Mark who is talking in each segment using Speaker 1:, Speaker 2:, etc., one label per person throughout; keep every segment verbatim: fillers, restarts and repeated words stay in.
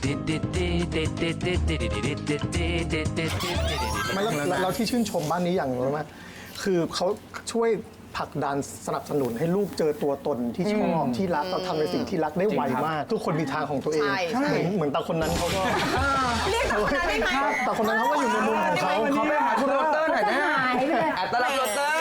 Speaker 1: ไม่แล้วเราที่ชื่นชมบ้านนี้อย่างรู้ไหมคือเขาช่วยผลักดันสนับสนุนให้ลูกเจอตัวตนที่ชอบที่รักเราทำในสิ่งที่รักได้ไวมาก ทุกคนมีทางของตัวเองเหมือนตาคนนั้นเขาก็
Speaker 2: เรียกตาคนนั้นได้ไหม
Speaker 1: ตาคนนั้นเขาก็อยู่ในมุมของเขา
Speaker 3: เขาไปหาคุณโรเตอร์หน่อยนะอัตลักษณ์โรเตอร์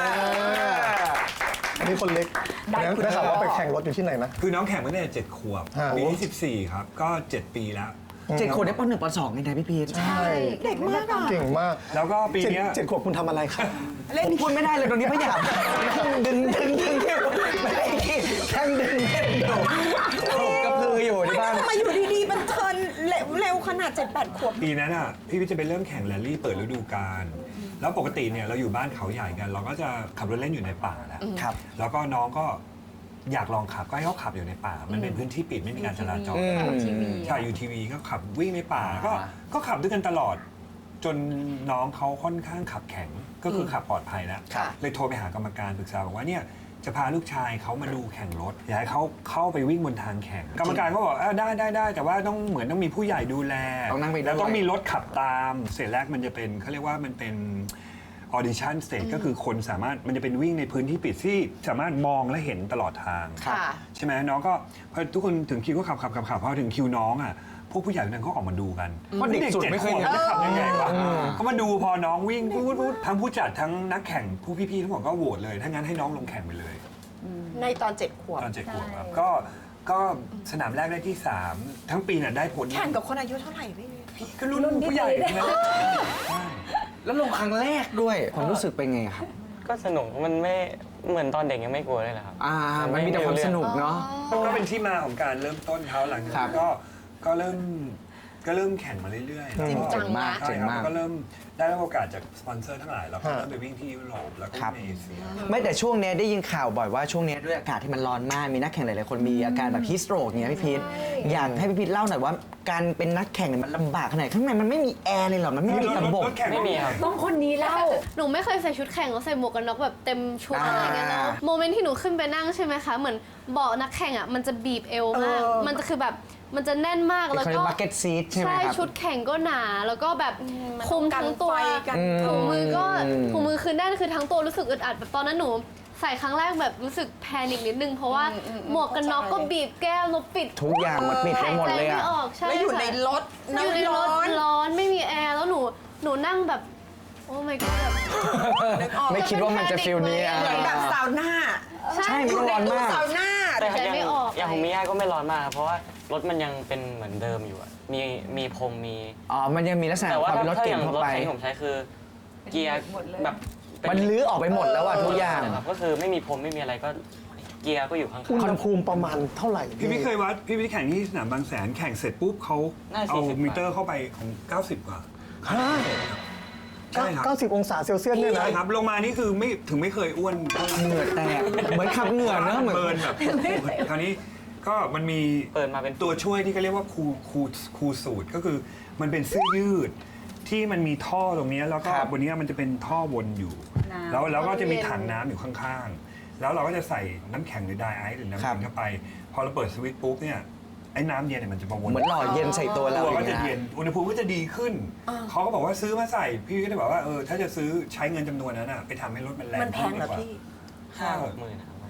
Speaker 1: อันนี้คนเล็กได้ข่าวว่าไปแข่งรถอยู่ที่ไหนนะ
Speaker 4: คือน้องแข่งมาตั้งแต่เจ็ดขวบปีที่สิบสี่ครับก็เจ็ดปีแล้ว
Speaker 3: เจ็ดขวบได้ปหนึ่งปสองไงนะพี่พีท
Speaker 1: ใช่
Speaker 2: เด็กมากอ่ะ
Speaker 1: เก่งมาก
Speaker 4: แล้วก็ปีนี้
Speaker 1: เจ็ดขวบคุณทำอะไรครับ
Speaker 3: ผมพูดไม่ได้เลยตรงนี้ไม่อยากดึงดึงดึงดึงไม่ได้แข่งดึงเล่นอยู่ผมกระพืออยู่ที่บ้าน
Speaker 2: ทำไมอยู่ดีๆมันเทิร์นเร็วขนาดเจ็ดแปดขวบ
Speaker 4: ปีนั้นอ่ะพี่วิจะไปเริ่มแข่งแรลลี่เปิดฤดูกาลแล้วปกติเนี่ยเราอยู่บ้านเขาใหญ่กันเราก็จะขับรถเล่นอยู่ในป่าแหละแล้วก็น้องก็อยากลองขับก็ให้เขาขับอยู่ในป่ามันเป็นพื้นที่ปิดไม่มีการจราจรใช่อยู่ทีวีก็ขับวิ่งในป่าก็ก็ขับด้วยกันตลอดจนน้องเขาค่อนข้างขับแข็งก็คือขับปลอดภัยแล้วเลยโทรไปหากรรมการปรึกษาบอกว่าเนี่ยจะพาลูกชายเขามาดูแข่งรถอยากให้เขาเข้าไปวิ่งบนทางแข่งกรรมการก็บอกได้ได้ได้แต่ว่าต้องเหมือนต้องมีผู้ใหญ่ดูแลแล้วต้องมีรถขับตามเสร็จแรกมันจะเป็นเขาเรียกว่ามันเป็นออดิชั่นสเตจก็คือคนสามารถมันจะเป็นวิ่งในพื้นที่ปิดที่สามารถมองและเห็นตลอดทางใช่ไหมน้องก็พอทุกคนถึงคิวก็ขับขับขับขับพอถึงคิวน้องอ่ะพวกผู้ใหญ่นั้นเขาออกมาดูกัน
Speaker 3: เพราะเด็กสุดไม่เคย
Speaker 4: จะขับยังไงวะเขามาดูพอน้องวิ่งพูดพูดทั้งผู้จัดทั้งนักแข่งผู้พี่ๆทั้งหมดก็โหวตเลยถ้างั้นให้น้องลงแข่งไปเลย
Speaker 2: ในตอนเจ็ดขวบ
Speaker 4: ตอนเจ็ดขวบครับก็ก็สนามแรกได้ที่สามทั้งปีน่ะได้ผล
Speaker 2: แข่งกับคนอายุเท่าไหร่พี่
Speaker 4: ก็รุ่นผู้ใหญ่นะ
Speaker 3: แล้วลงครั้งแรกด้วยความรู้สึกเป็นไงครับ
Speaker 5: ก็สนุกมันไม่เหมือนตอนเด็กยังไม่กลัวเลยครับ
Speaker 3: อ่ามันมีแต่ความสนุกเนาะ
Speaker 4: ก็เป็นที่มาของการเริ่มต้นเขาหลังจากก็ก็เริ่มก็เริ่มแข่งมาเรื่อยๆ
Speaker 2: จริงจังมาก
Speaker 4: ใช่ครับก็เริ่มได้รับโอกาสจากสปอนเซอร์ทั้งหลายแล้วก็เริ่มไปวิ่งที่ยุโรปแล้วก็ในเอเชีย
Speaker 3: ไม่แต่ช่วงนี้ได้ยินข่าวบ่อยว่าช่วงนี้ด้วยอากาศที่มันร้อนมากมีนักแข่งหลายๆคนมีอาการแบบฮีสโตรกอย่างเงี้ยพี่พีทอยากให้พี่พีทเล่าหน่อยว่าการเป็นนักแข่งมันลำบากขนาดข้างในมันไม่มีแอร์เลยหรอมันไม่มีระบบ
Speaker 5: ไม่มีครับ
Speaker 6: ต้องคนนี้เล่าหนูไม่เคยใส่ชุดแข่งแล้วใส่หมวกกันน็อกแบบเต็มชุดอะไรเงี้ยเนาะโมเมนต์ที่หนูขึ้นไปนั่งใช่ไหมคะเหมือนเบาะนักแข่งอ่ะมันจะบีบเอวมากมันจะคือแบบมันจะแน่นมากแล้วก็
Speaker 3: บักเก็ตซีทใช่ไหมครับ
Speaker 6: ใช่ชุดแข่งก็หนาแล้วก็แบบคุมทั้งตัวถุงมือก็ถุงมือคือแน่นคือทั้งตัวรู้สึกอึดอัดแบบตอนนั้นหนูใส่ครั้งแรกแบบรู้สึกแพนิคนิดนึงเพราะว่าหมวกกันน็อกก็บีบแก้มแล้วปิด
Speaker 3: ทุกอย่างมันปิดไปหมดเลยอะ
Speaker 6: แล้ว
Speaker 2: อยู่ในรถ
Speaker 6: อยู่ในรถร้อนไม่มีแอร์แล้วหนูหนูนั่งแบบโอ้ my god แบบ
Speaker 3: ไม่คิดว่ามันจะฟีลนี้
Speaker 2: เหมือนแบบซาวน่า
Speaker 3: ใช่มันร้อนมาก
Speaker 2: ซาวน่า
Speaker 5: แต่ยังอย่างของมิย่าก็ไม่ร้อนมากเพราะว่ารถมันยังเป็นเหมือนเดิมอยู่อะมีมีพรมมี
Speaker 3: อ๋อมันยังมีลักษณะความเป็นรถเก๋งเข้าไป
Speaker 5: แต่ว่าถ้าอย่างรถที่ผมใช้คือเกียร์แบบ
Speaker 3: มันลื้อออกไปหมดแล้วอะทุกอย่าง
Speaker 5: ก็คือไม่มีพรมไม่มีอะไรก็เกียร์ก็อยู่ข้างๆ
Speaker 1: อุณหภูมิประมาณเท่าไหร่
Speaker 4: พี่ไม่เคยวัดพี่ไม่ได้แข่งที่สนามบางแสนแข่งเสร็จปุ๊บเขาเอามิเตอร์เข้าไปของเก้าสิบกว่า
Speaker 1: ใช่ครับเก้าสิบองศาเซลเซียสเนี่ยนะ
Speaker 4: ใช่ครับลงมานี่คือไม่ถึงไม่เคยอ้วน
Speaker 3: เหงื่อแตกเหมือนขับเหงื่อเนอะเหมือน
Speaker 4: เบิร์นแบบคราวนี้ก็มันมี
Speaker 5: เปิดมาเป็น
Speaker 4: ตัวช่วยที่เขาเรียกว่าคูคูคูสูตรก็คือมันเป็นเสื้อยืดที่มันมีท่อตรงนี้แล้วก็บนนี้มันจะเป็นท่อวนอยู่แล้วแล้วก็จะมีถังน้ำอยู่ข้างๆแล้วเราก็จะใส่น้ำแข็งหรือไดไอซ์หรือน้ำแข็งเข้าไปพอเราเปิดสวิตช์ปุ๊บเนี่ยไอ้น้ำเย็นเนี่ยมันจะมาวน
Speaker 3: เหมือนหล่อเย็นใส่ตัวเรา
Speaker 4: ก็จะเย็นอุณหภูมิก็จะดีขึ้นเขาก็บอกว่าซื้อมาใส่พี่ก็เลยบอกว่าเออถ้าจะซื้อใช้เงินจำนวนนั้นอ่ะไปทำให้รถมันแรง
Speaker 2: มันแพงเหรอพี่
Speaker 5: ห้าหกหมื่นนะครับ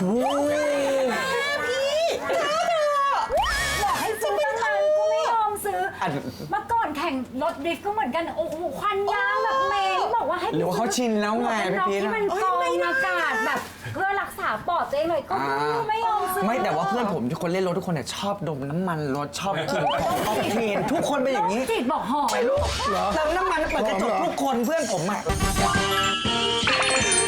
Speaker 2: พี่
Speaker 7: บอกให้ซื้อตั้งนานก็ไม่ยอมซื้อเมื่อก่อนแข่งรถดริฟต์ก็เหมือนกันโอ้โหควันยางแบบเมย์บอกว่าให้
Speaker 3: หรือว่าเขาชินแล้วไงพี่พี
Speaker 7: ที่มันกรองอากาศแบบเพื่อรักษาปอดตัวเองเลยก็ไม่ยอมซื้อ
Speaker 3: ไม่แต่ว่าเพื่อนผมทุกคนเล่นรถทุกคนเนี่ยชอบดมน้ำมันรถชอบกลิ่นของออกเทนทุกคนเป็นอย่างนี้
Speaker 7: จิตบอกหอม
Speaker 3: ลูกเติมน้ำมันเปิดกระจกทุกคนเพื่อนผมอ่ะ